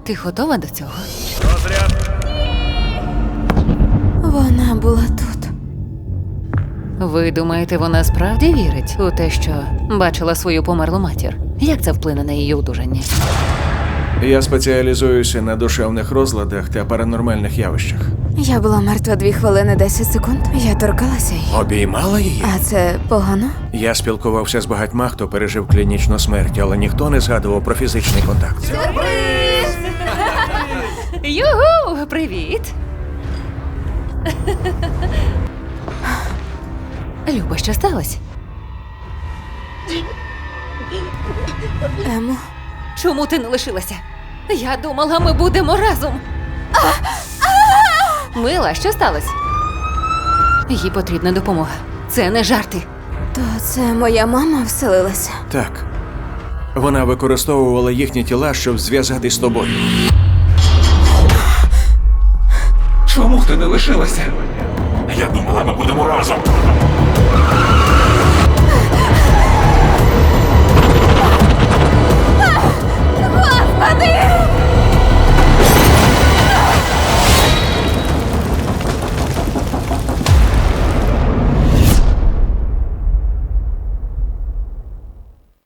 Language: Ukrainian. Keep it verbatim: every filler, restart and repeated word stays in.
Ти готова до цього? Розряд. Вона була тут. Ви думаєте, вона справді вірить у те, що бачила свою померлу матір? Як це вплине на її одужання? Я спеціалізуюся на душевних розладах та паранормальних явищах. Я була мертва дві хвилини десять секунд. Я торкалася її. Обіймала її? А це погано? Я спілкувався з багатьма, хто пережив клінічну смерть, але ніхто не згадував про фізичний контакт. Югу! Привіт! Люба, що сталося? Емо, Чому ти не лишилася? Я думала, ми будемо разом. Мила, що сталося? Їй потрібна допомога. Це не жарти. то це моя мама вселилася. Так. Вона використовувала їхні тіла, щоб зв'язатись з тобою. Чому ти не лишилася? Я думала, ми будемо разом. Господи!